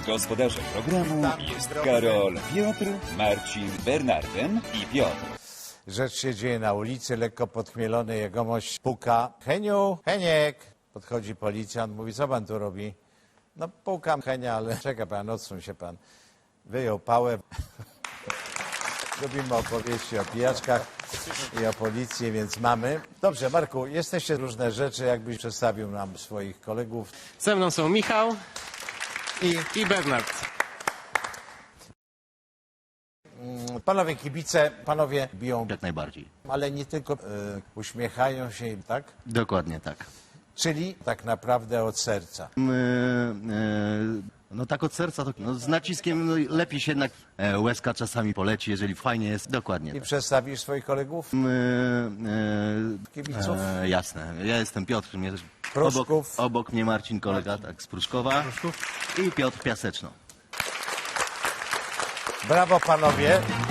Gospodarzem programu jest Karol, Piotr, Marcin, Bernardem i Piotr. Rzecz się dzieje na ulicy, lekko podchmielony jegomość puka. Heniu, Heniek! Podchodzi policjant, mówi, co pan tu robi? No pukam Henia, ale czeka pan, odsuń się pan. Wyjął pałę. Lubimy opowieści o pijaczkach i o policji, więc mamy. Dobrze, Marku, jesteście różne rzeczy, jakbyś przedstawił nam swoich kolegów. Ze mną są Michał i Bernard. Panowie kibice, panowie biją, Jak najbardziej. ale nie tylko uśmiechają się, tak? Dokładnie tak. Czyli tak naprawdę od serca. No tak od serca, to, no, z naciskiem no, lepiej się jednak łezka czasami poleci, jeżeli fajnie jest. Dokładnie I tak. przedstawisz swoich kolegów? Kibiców? Jasne. Ja jestem Piotr, Pruszków. obok mnie Marcin, kolega tak, z Pruszkowa i Piotr Piaseczno. Brawo panowie.